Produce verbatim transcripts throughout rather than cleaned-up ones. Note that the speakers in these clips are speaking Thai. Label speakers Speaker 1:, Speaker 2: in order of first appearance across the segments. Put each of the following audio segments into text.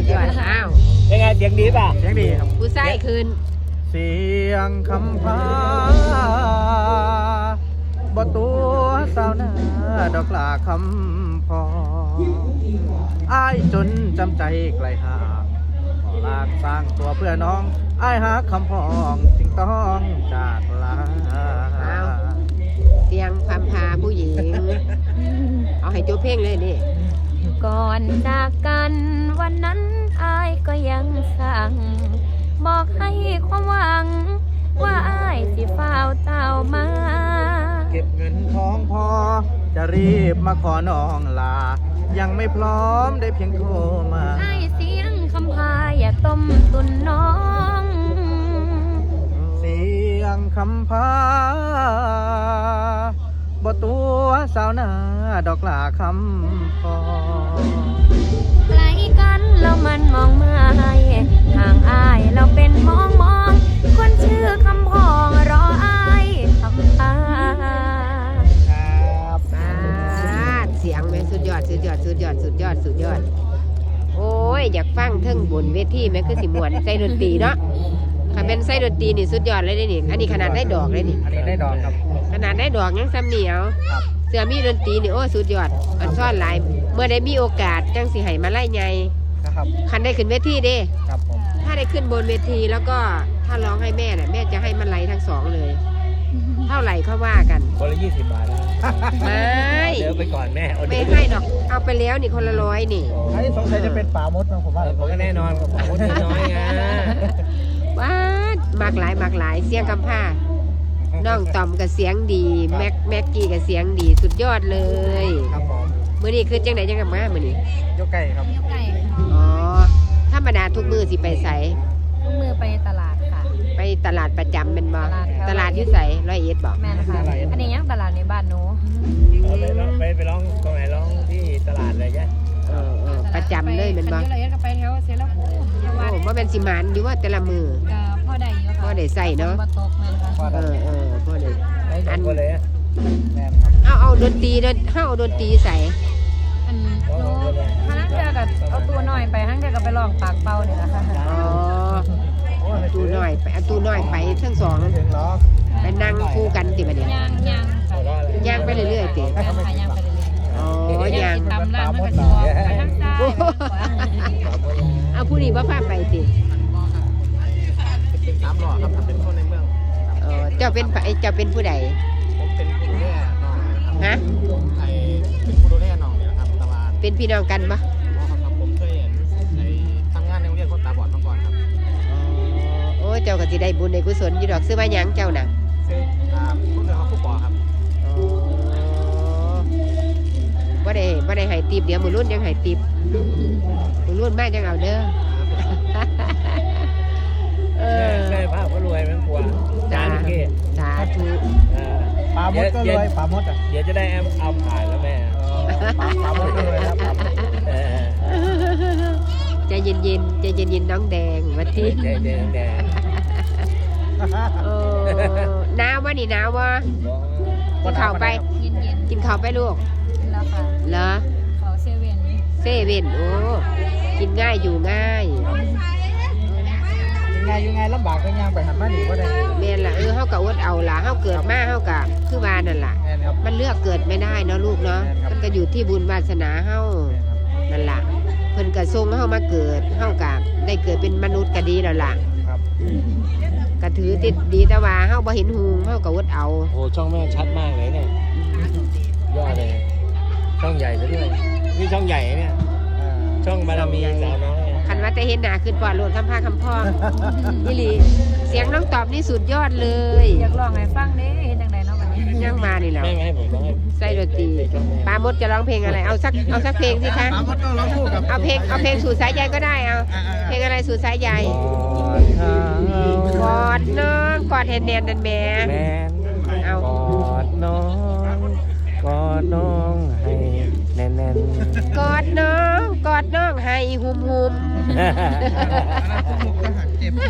Speaker 1: ยอดอ้าว
Speaker 2: เป็นไงเสียงดีป่ะ
Speaker 3: เสียงดีครับ
Speaker 1: ผู้ชายคืน
Speaker 3: เสียงคำพาบ่ตัวสาวนาดอกลาคำพออ้ายจนจำใจไกลห่างขอลากสร้างตัวเพื่อน้องอ้ายหาคำพองจึงต้องจากลา
Speaker 1: เสียงพามพาผู้หญิง เอาให้จบเพลงเลยนี่
Speaker 4: ก่อนจากกันวันนั้นอายก็ยังสั่งบอกให้ความหวัง ว่าอายสิฝ้าวเต้ามา
Speaker 3: เก็บเงินทองพอ จะรีบมาขอน้องลา ยังไม่พร้อมได้เพียงโทรมา
Speaker 4: อายเสียงคำพาอย่าต้มตุนน้อง
Speaker 3: เสียงคำพาบ่ตัวสาวนาดอกลาคำพอ
Speaker 4: ไกลกันแล้วมันมองไม่ห่างอายเราเป็นมองมองคนชื่อคำพองรออายคำพา
Speaker 3: ครับ
Speaker 1: ปาดเสียงแม่สุดยอดสุดยอดสุดยอดสุดยอดสุดยอด โอ้ยอยากฟังเทิงบนเวทีแม่คือสิมวนใส่ดนตรีเนาะถ้าเป็นใส่ดนตรีนี่สุดยอดเลยนี่อันนี้ขนาดได้ดอกเลยนี่
Speaker 3: อันนี้ได้ดอกครับ
Speaker 1: ขนาดได้ดอกยังซ้ำเหนียว
Speaker 3: ครับ
Speaker 1: เสือมีดนตรีนี่โอ้สุดยอดอันซ่อนหลายเมื่อได้มีโอกาสจังสิให้มาไล่ไง
Speaker 3: นะครับ
Speaker 1: คันได้ขึ้นเวทีเด้
Speaker 3: ครับผม
Speaker 1: ถ้าได้ขึ้นบนเวทีแล้วก็ถ้าร้องให้แม่น่ะแม่จะให้มันไล่ทั้งสองเลย เท่าไหร่เขาว่ากัน
Speaker 2: คนละยี่สิบบาทนะ
Speaker 1: ไม่
Speaker 2: เดี๋ยวไปก่อนแม่เอา
Speaker 1: ไม่
Speaker 2: เดี๋ยว
Speaker 1: ให้ดอกเอาไปแล้วนี่คนละร้อยนี่
Speaker 3: อันนี้สงสัยจะเป็นป่ามดนะผมว่า
Speaker 2: ผมก็แน่นอนกับคนน้อยไง
Speaker 1: ว้ามากหลายมากหลายเสียงคำผ้าน้องต่อมกับเสียงดีแม็กแม็กกี้กับเสียงดีสุดยอดเลย
Speaker 3: ครับผม
Speaker 1: มื้อนี้คือจังไหนจังกับมามื้อนี้
Speaker 3: ยกไก่ครับ
Speaker 4: ยกไก่
Speaker 1: อ๋อธรรมดาทุกมื้อสิไปใส
Speaker 4: ลูกมือไปตลาดค่ะ
Speaker 1: ไปตลาดประจำเป็นบ่
Speaker 4: ตลาดครับ
Speaker 1: ตลาดอยู่ไสร้อยเอ็ดบ่
Speaker 4: แม่นค่ะอันนี้ยังตลาดในบ้านหนู
Speaker 2: เอาไปร้องไปไปร้องตรงไหนร้องที่ตลาดเลยใช่
Speaker 1: เออเออประจำเลยเป็นบ่
Speaker 4: คันยุไรก็ไปแถวเสร็จแล้วโอ้จังหวัด
Speaker 1: โอ้บ่แม่นสิหมานอยู่ว่าแต่ละมื้อ
Speaker 4: ก็พ่อได้อยู่ค่ะ
Speaker 1: พ่อได้ใส่เนาะ
Speaker 4: บ่ตกแม่นค่ะ
Speaker 3: ว่า
Speaker 1: เอ
Speaker 3: ได้
Speaker 1: อเออพ่อได้
Speaker 2: ร้องสองคนเลยอะ
Speaker 3: แม่นครับ
Speaker 1: เอาเอาดนตรีเด้อเฮาเอาดนตรีใส่
Speaker 4: อันหนูพนักเรือกับเอาตัวหน่อยไปทั้งเรือกับไปลองปากเป่าเนี่ยนะคะ
Speaker 1: อ๋อ
Speaker 3: โอ้ย
Speaker 1: ตู้น้อยไปเอาตู้น้อยไปทั้งสอง
Speaker 3: ไม่ถึงหรอก
Speaker 1: ไปนั่งคู่กันติบัดนี้
Speaker 4: ย่างย่างค่ะ
Speaker 2: หัวเราะเลย
Speaker 1: ย่างไปเรื่อยๆติ
Speaker 4: แม่นค่ะย่างไปเรื่อย
Speaker 1: อ๋อ
Speaker 4: ๆ
Speaker 1: ย่าง
Speaker 4: กินตำร้านมันก็สิออกไปทางซ้าย
Speaker 1: เอาผู้นี้บ่พาไปติ
Speaker 3: เป็นสามหล่อครับถ้าเป็นคนในเมือง
Speaker 1: เออเจ้าเป็นไผเจ้าเป็นผู้ใด
Speaker 3: ผมเป็นผู้ดูแลน้องนะครับ
Speaker 1: ฮะ
Speaker 3: ไอเป็นผู้ดูแลน้องเนี่ยนะครับตลาด
Speaker 1: เป็นพี่น้องกันบ่
Speaker 3: อ๋อครับผมเคยเห็นในทำงานในโรงเรียนคนตาบอดมาก่อนครับ
Speaker 1: โอ้ยเจ้าก็สิได้บุญได้กุศลอยู่ดอกซื้อมาหยังเจ้าน่ะ
Speaker 3: ซึ่งอ่าผู้เรียนเขาผู้ปอครับ
Speaker 1: อ๋อบ่ได้บ่ได้ให้ติปเดี๋ยวมื้อรุ่นยังให้ติปมื้อรุ่นมาจังเอาเด้อ เออ
Speaker 2: แม่ภาพก็รวยแม่งกลัวจานเก้
Speaker 1: สาธุ
Speaker 2: เออ
Speaker 3: ปลามดก็รวยปลามดอ่ะ
Speaker 2: เดี๋ยวจะได้แอมเอาผ่านแล้วแม่
Speaker 3: เออปลาปลามดก็รวยครับปลามด
Speaker 2: เออ
Speaker 1: ใจเย็นๆใจเย็นๆน้องแดงว่าที่
Speaker 2: เดี๋ยวเดี๋ยวเดี๋ยว
Speaker 1: โอ้หนาววะนี่หนาววะกินข้าวไป
Speaker 4: เย็นเย็น
Speaker 1: กินข้าวไปลูก
Speaker 4: ๆแล้วค่ะ
Speaker 1: เหรอ
Speaker 4: เขาเซเว่น
Speaker 1: เซเว่นโอ้กินง่ายอยู่ง่าย
Speaker 3: ยังไงยังไงลำบากก็ย่างไปหันมาหนีก็ได้
Speaker 1: แม่นล่ะเออเฮาก็อดเอาล่ะเฮาเกิดมาเฮาก็คือว่านั่นล่ะ
Speaker 3: แม่นครับ
Speaker 1: มันเลือกเกิดไม่ได้เนาะลูกเนาะมันก็อยู่ที่บุญวาสนาเฮานั่นล่ะเพิ่นก็ส่งเฮามาเกิดเฮาก็ได้เกิดเป็นมนุษย์ก็ดีแล้วล่ะ
Speaker 3: ครับ
Speaker 1: อืมก็ถือติดดีแต่ว่าเฮาบ่เห็นหูเฮาก็อดเอา
Speaker 2: โอ้ช่องแม่ชัดมากเลยเนี่ยยอดเลยช่องใหญ่ซะด้วยนี่ช่องใหญ่เนี่ย
Speaker 3: อ่า
Speaker 2: ช่องบารมีสาวน้อย
Speaker 1: คันว่าแต่เห็นหน้าขึ้นปอดโลดคำพาคำพ้องนี่หลีเสียงน้องตอบนี่สุดยอดเลย
Speaker 4: อยากลองให้ฟังเด้เฮ็ดจังไดเนาะบัดนี้
Speaker 1: ยังมานี่แหล้ว
Speaker 2: ไม่ไม่ให้ผมต้องให้
Speaker 1: ใส่ดนตรีปามดจะร้องเพลงอะไร เอาสักเอาสักเพลงสิคะ
Speaker 3: ปลามดต้องร้องคู่กับ
Speaker 1: เอาเพลงเอาเพลงสู่สายใยก็ได้เอา
Speaker 3: อ่าอ่า
Speaker 1: เพลงอะไรสู่สายใยกอดน้องกอดแฮนแนนนันแหม่
Speaker 2: แมน
Speaker 1: เอา
Speaker 2: กอดน้องกอดน้องให้แน่นแน่น
Speaker 1: กอดน้องกอดน้องให้หุมหุม
Speaker 3: เจ็บ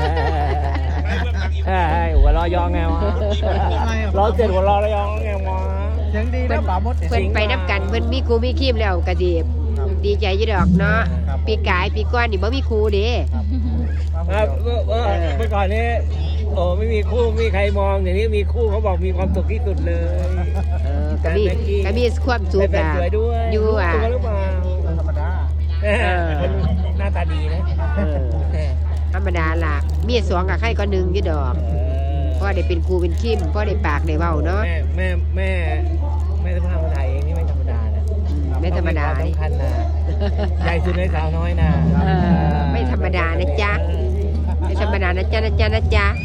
Speaker 2: ไอ้หัวเราะยองไงวะร้องเสร็จหัวเราะแล้วยองไงวะ
Speaker 3: เสียงดีนะปลามด
Speaker 1: เพิ่นไปนับกันเพิ่นมีครูมีคีมแล้วกะดีดีใจอยี่ดอกเนาะ
Speaker 3: ครับ
Speaker 1: ปีกายปีก้อนนี่บ่มีครูเด้
Speaker 2: ครับเมื่อเมื่อเมื่อก่อนนี้โอ้ไม่มีคู่ไม่มีใครมองอย่างนี้มีคู่เขาบอกมีความสุขที่สุดเลย
Speaker 1: เออก็มีก็มีความสุข
Speaker 2: ได้แฟน
Speaker 1: อ่ะ
Speaker 2: สวยด้วย
Speaker 1: อยู่อ่ะ
Speaker 2: ตัวหรือเปล่า
Speaker 3: ธรรมดา
Speaker 2: เออหน้าตาดีนะ
Speaker 1: เออธรรมดาล่ะมีสองกับใครก็หนึ่งอยู่ดอก
Speaker 2: เออ
Speaker 1: พ่อได้เป็นครูเป็นคิมพ่อได้ปากได้เว้าเนาะ
Speaker 2: แม่แม่แม่แม่สภาพคนไทยเองนี่ไม่ธรรมดานะ
Speaker 1: อืมไม่ธรรมดา
Speaker 2: ต้องควสำคัญนะใหญ่สุดในสาวน้อยนะ
Speaker 1: เออไม่ธรรมดานะจ๊ะไม่ธรรมดานะจ๊ะนะจ๊ะนะจ๊ะ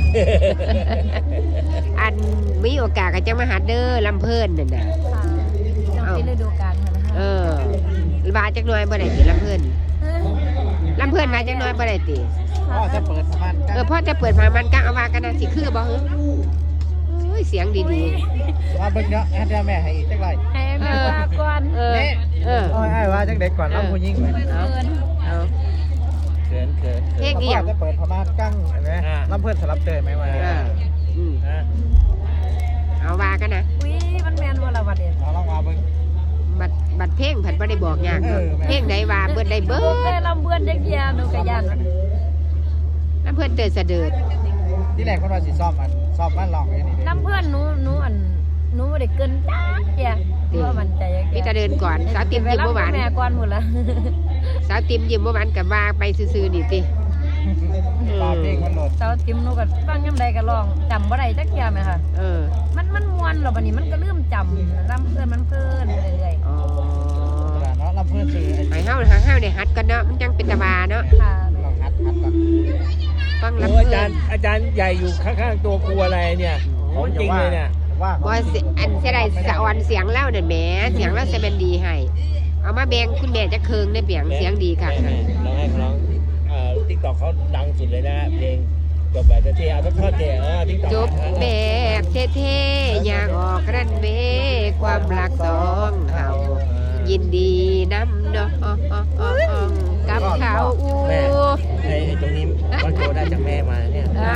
Speaker 1: อันมีโอกาสก็จะมาหาเด้อลำเพิ่นนั่นน่ะ
Speaker 4: ค่ะต้องเป็นฤดูกาลค่ะนะคะ
Speaker 1: เออว่าจักหน่อยบ่ได้ติลำเพิ่นลำเพิ่นว่าจักหน่อยบ่ได้ติ
Speaker 3: พ่อจะเปิดประมาณ
Speaker 1: เออพ่อจะเปิดมามันกะเอาว่ากันนะสิคือบ่ฮึโอ้ยเสียงดี
Speaker 3: ว่าเบิ่งเนาะแอดเดียวแม่ให้อีกจักไร
Speaker 4: ให้แม่ว่าก่อน
Speaker 1: ๆเออเออ
Speaker 3: โอ้ยไอ้ว่าจังเด็กก่อนรับผู้หญิงเลย
Speaker 1: เอา
Speaker 4: เกิน
Speaker 1: เอา
Speaker 2: เขินเขิน
Speaker 1: เพลงอีหยัง
Speaker 3: จะเปิดประมาณกั้งเห็นไหมลำเพื่อนสลับเตยไหมวะ
Speaker 1: เอออืม
Speaker 2: นะ
Speaker 1: เอาว่ากันนะ
Speaker 4: อุ้ยมันแมนว่าละวันเดียว
Speaker 3: เราลองมาเบิ่ง
Speaker 1: บัดบัดเพลงผัดบ่ได้บอกยากเนาะ
Speaker 3: เออแม่
Speaker 1: เพลงใดว่าเบิดได้เบิ
Speaker 4: เคย
Speaker 1: ด
Speaker 4: ลำเบือนจักเยียหนูกะยัน
Speaker 1: ลำเพิ่นเตือนเสดิด
Speaker 3: ที่แรกคนว่าสิซ่อมมันซ่อมบ้านลองอย่างนี้
Speaker 4: ลำเพื่อนหนูหนูอันหนูบ่ได้เกินจ้าเจียว่ามันใจยัง
Speaker 1: มีแต่เดินก่อนสาวติมยิ้มเมื่อวาน
Speaker 4: แม่ก่อนหมดละ
Speaker 1: สาวติมยิ้มเมื่อวานกับว่าไปซื่อๆนี่ติ
Speaker 3: ปลาเพลงมันหล่น
Speaker 4: เสาติมหนูก็ฟังยามใดก็ร้องจำบ่ได้จักเจียแม่ค่ะ
Speaker 1: เออ
Speaker 4: มันมันม่วนหรอบัดนี้มันก็ลืมจำลำเพื่อนมันเพิ่นไปเรื่อย
Speaker 1: อ๋อ
Speaker 3: เนาะลำเพื่อนซื้อ
Speaker 1: ให้เฮาหาเฮาได้หัดกันเนาะมันจังเป็นตาบาเนาะ
Speaker 4: ๆค่ะ
Speaker 3: ลองฮัดฮัดก่อน
Speaker 1: ฟัง
Speaker 2: โอ้
Speaker 1: ลำ
Speaker 2: อา
Speaker 1: เพิ่
Speaker 2: จาร
Speaker 1: น
Speaker 2: ย์อาจารย์ใหญ่อยู่ข้างๆตัวครูอะไรเนี่ยของจริงเลยเนี่ย
Speaker 3: ว่า
Speaker 1: บ่สิอันเสียดายสะออนเสียงแล้วนั่นแหมเสียงแล้วจะเป็นดีให้เอามาแบ่งคุณแม่จะเคิงได้เปียงเสียงดีค่ะ
Speaker 2: แม่ๆร้องให้เขาร้องเอ่อทิกตอกเขาดังสุดเลยนะเพลงจบแบบเท่ๆเอาทอดๆเท่เออทิกตอก
Speaker 1: จบแบบเท่ๆอยากออกรันเวย์ความรักสองเฮายินดีน้ำน้องกับเขาอู
Speaker 2: แม่ไอ้ไอ้ตรงนี้วัดโจได้จากแม่มาเนี่ย
Speaker 1: อ่า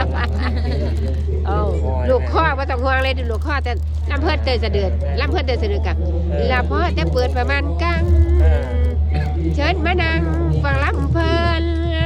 Speaker 1: เอาลูกข้อว่าต้องห่วงเลยลูกข้อแต่ลำเพิ่นเตยเสดือดลำเพิ่นเตยเสดือดกับลำพ่อจะเปิดประมาณกลางเชิญมานั่งฟังลำเพลิน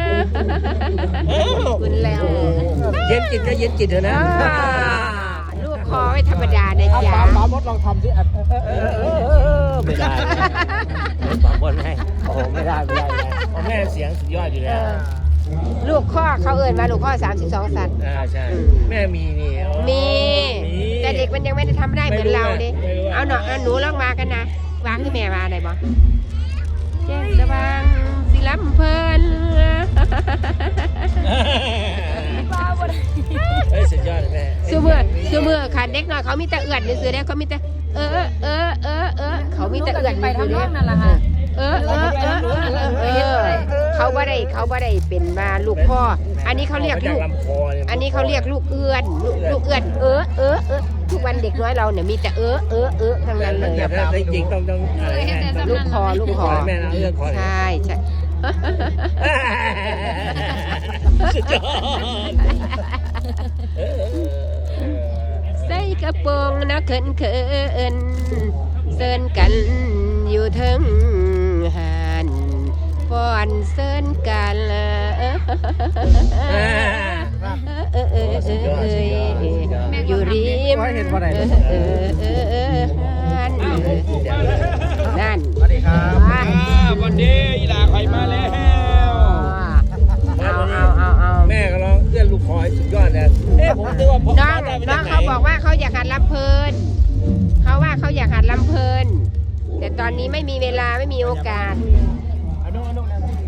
Speaker 1: คุณแล้ว
Speaker 2: เย็นจิตก็เย็นจิตเถอะนะ
Speaker 1: อ่าลูกคอไม่ธรรมดานะ
Speaker 3: เอา
Speaker 1: จ๊ะ
Speaker 3: ปลาปลามดลองทำสิอัดเออเออเออ
Speaker 2: ไม่ได้สองคนให้โอ้ไม่ได้ไม่ได้ไม่ได้เพราะแม่เสียงสุดยอดอยู่แล้ว
Speaker 1: ลูกข้อเขาเอ่ยมาลูกข้อสามสิบสองสัตว์
Speaker 2: อ่าใช่แม่มีนี่โอ้
Speaker 1: มีแต่เด็กมันยังไม่ได้ทำได้เหมือนเราดิเอาหนอเอาหนูลองมากันนะวางที่แม่มาได้บ่แจ้งระวังสิลำเพลิน
Speaker 4: ว่าบ่ได้
Speaker 2: เฮ้ยสุดยอดแม่
Speaker 1: ซูเมื่อซูเมื่อค่ะเด็กน้อยเขามีแต่เอื้อนซื้อๆเด้เขามีแต่เออเออเออเออเขามีแต่เอื้อน
Speaker 4: ไป
Speaker 1: ซื้อ
Speaker 4: ทำ
Speaker 1: ๆ
Speaker 4: น
Speaker 1: เด้
Speaker 4: องนั่นล่ะค่ะ
Speaker 1: เออเออเออเออเออเออเขาบ่ได้เขาบ่ได้เป็นมาลูกพ่ออันนี้เขาเรียก
Speaker 2: จาก
Speaker 1: ลูก
Speaker 2: ลำคอเนี่ย
Speaker 1: อันนี้เขาเรียกลูกเอื้อนลูกลูกเอื้อนเออเออเออทุกวันเด็กน้อยเราเนี่ยมีแต่เออเออเออทั้งนั้นเลย
Speaker 2: แต่ถ้าจริงๆต้องต้องอะไรแม่ต้อง
Speaker 1: ลูกคอลูกคอ
Speaker 2: แม่นะเรื่องคอ
Speaker 1: ใช่ใช่
Speaker 2: สุดยอด
Speaker 1: ใส่กระโปรงนะเขินเขินเซินกันอยู่เทิงหันฟ้อนเซินกันเออเออเออเออเอออยู่ริมเออเออเออหันนั่น
Speaker 3: สวัสดีครับ
Speaker 5: วันนี้อีหลาไข่มาแล้ว
Speaker 1: เอาเอาเอาเอา
Speaker 2: แม่ก็ร้องเอื้อนลูกคอให้สุดยอดนะเอ๊ะผมนึกว่าผม
Speaker 1: น้องน้องเขาบอกว่าเขาอยากหัดลำเพลินเขาว่าเขาอยากหัดลำเพลินแต่ตอนนี้ไม่มีเวลาไม่มีโอกาส
Speaker 3: อันนู้นอันนู้น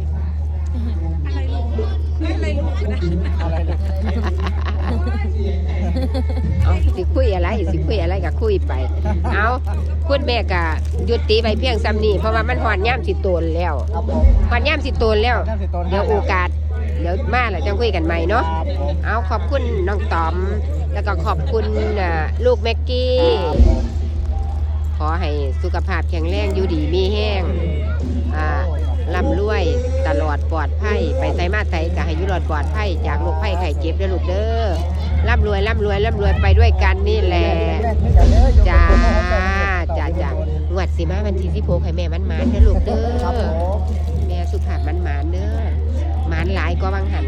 Speaker 3: อะไรลูกอะไรลูก
Speaker 1: เอาสิคุยอะไรสิคุยอะไรก็คุยไป เอาคุณแม่ก็หยุดตีไปเพียงซ้ำนี่เพราะว่ามันหอนย่ามสิโตนแล้ว
Speaker 3: ครับผม
Speaker 1: หอนย่ามสิโตนแล้ว เดี๋ยวโอกาส เดี๋ยวมาแล้วจะคุยกันใหม่เนาะ
Speaker 3: ครับผม
Speaker 1: เอาขอบคุณน้องต๋อม แล้วก็ขอบคุณอ่าลูกแม็กกี้ ขอให้สุขภาพแข็งแรงอยู่ดีมีแห้งอ่าร่ำรวยตลอดปลอดภัยไปไสมาไสก็ให้อยู่รอดปลอดภัยจากโรคภัยไข้เจ็บเด้อลูกเด้อร่ำรวยร่ำรวยร่ำรวยไปด้วยกันนี่แหละจ้าจ้าจ้างวดสิมาวันที่สิบหกให้แม่มันมาเด้อลูกเด้อ
Speaker 3: ครับผม
Speaker 1: แม่สุขภาพก็วังหัน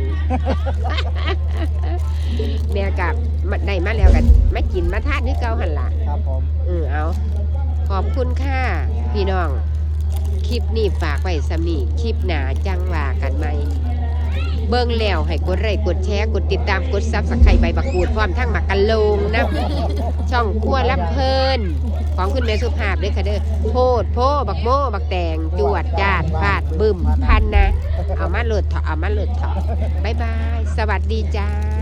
Speaker 1: แม่กับได้มาแล้วกันมากินมาทานคือเก่าหันล่ะ
Speaker 3: ครับผม
Speaker 1: เออเอาขอบคุณค่ะพี่น้องคลิปนี้ฝากไว้สำนีคลิปหนาจังว่ากันไหมเบิ่งแล้วให้กดไลค์กดแชร์กดติดตามกดซับสไครต์ใบบักกูดพร้อมทั้งหมักกันโลงนะช่องครัวรับเพลินของคุณแม่สุภาพด้วยค่ะเด้อโพดโพบักโมบักแตงจวดจาดฟาดบึมพันนะเอามาโหลดเถาะเอามาโหลดเถาะบ๊ายบายสวัสดีจ้า